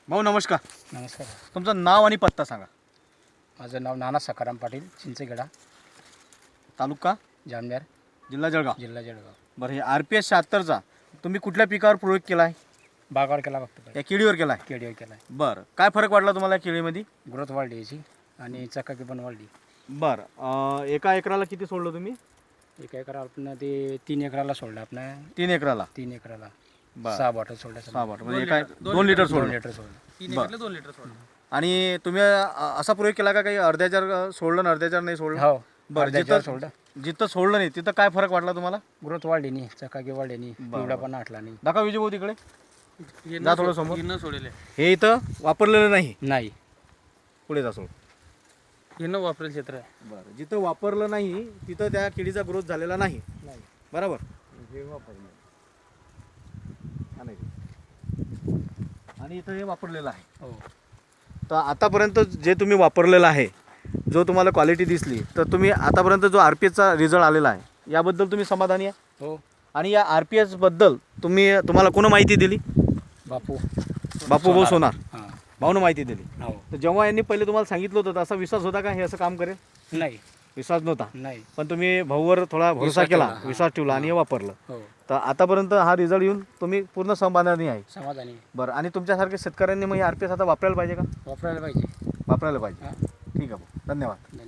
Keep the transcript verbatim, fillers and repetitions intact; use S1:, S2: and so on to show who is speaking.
S1: भाऊ नमस्कार.
S2: नमस्कार.
S1: तुमचं नाव आणि पत्ता सांगा.
S2: माझं नाव नाना सकाराम पाटील, चिंचगडा,
S1: तालुका
S2: जामनेर,
S1: जिल्हा जळगाव.
S2: जिल्हा जळगाव.
S1: बरं, हे आर पी एस शहात्तरचा तुम्ही कुठल्या पिकावर प्रयोग केला आहे?
S2: बागावर केला फक्त,
S1: या केळीवर केला आहे.
S2: केडीवर केला आहे.
S1: बरं, काय फरक वाटला तुम्हाला या केळीमध्ये?
S2: ग्रोथ वाढली याची आणि चकाकी पण वाढली.
S1: बरं, अं, एका एकराला किती सोडलं तुम्ही?
S2: एका एकरा आपण ते तीन एकराला सोडलं आपण,
S1: तीन एकराला.
S2: तीन एकराला
S1: बरं,
S2: सहा बॉटल सोडल्या.
S1: सहा बॉटल म्हणजे एका दोन लिटर
S2: दोन
S1: सोडलं.
S2: लिटर सोडलं.
S3: तीन एकरला दोन लिटर सोडलं.
S1: आणि तुम्ही अं, असा प्रयोग केला का काही अर्ध्याच्या सोडलं आणि अर्ध्याच्या नाही सोडलं?
S2: हो.
S1: बरं,
S2: अर्ध्याच्यावर
S1: जिथं
S2: सोडलं.
S1: जिथं सोडलं नाही तिथं काय फरक वाटला तुम्हाला?
S2: ग्रोथ वाढली नाही, चकाकी वाढली नाही,
S1: बरं.
S2: पिवळा पण आटला नाही.
S1: दाखवा विजय भाऊ तिकडे.
S3: हे
S1: जा
S3: न
S1: थोडं
S3: सो-
S1: समोर.
S3: हे न सोडेले
S1: हे इथं वापरलेलं नाही.
S2: नाही.
S1: पुढे जा सोड.
S3: हे न वापरेल क्षेत्र आहे.
S1: बरं, जिथं वापरलं नाही तिथं त्या केळीचा ग्रोथ झालेला नाही.
S2: नाही.
S1: बरोबर.
S2: हे वापरलं.
S1: हा, नाही. आणि इथं हे वापरलेलं आहे.
S2: हो.
S1: तर आतापर्यंत जे तुम्ही वापरलेलं आहे, जो तुम्हाला क्वालिटी दिसली, तर तुम्ही आतापर्यंत जो आर पी एसचा रिझल्ट आलेला आहे याबद्दल तुम्ही समाधानी आहे?
S2: हो.
S1: आणि या आर पी एसबद्दल तुम्ही तुम्हाला कोण माहिती दिली?
S2: बापू
S1: बापू भाऊ सोनार
S2: हां.
S1: भाऊनं माहिती दिली.
S2: हो.
S1: तर जेव्हा यांनी पहिले तुम्हाला सांगितलं होतं तर असा विश्वास होता का हे असं काम करेल?
S2: नाही.
S1: विश्वास नव्हता,
S2: नाही.
S1: पण तुम्ही भाऊवर थोडा भरोसा
S2: विश्वास
S1: केला,
S2: ठेवला, हां.
S1: विश्वास ठेवला आणि हे वापरलं.
S2: हो.
S1: तर आतापर्यंत हा रिझल्ट येऊन तुम्ही पूर्ण समाधानी आहे.
S2: समाधानी.
S1: बरं, आणि तुमच्यासारख्या शेतकऱ्यांनी मग हे आर पी एस आता वापरायला पाहिजे का?
S2: वापरायला पाहिजे.
S1: वापरायला पाहिजे.
S2: हां.
S1: ठीक आहे भाऊ, धन्यवाद.
S2: धन्यवाद.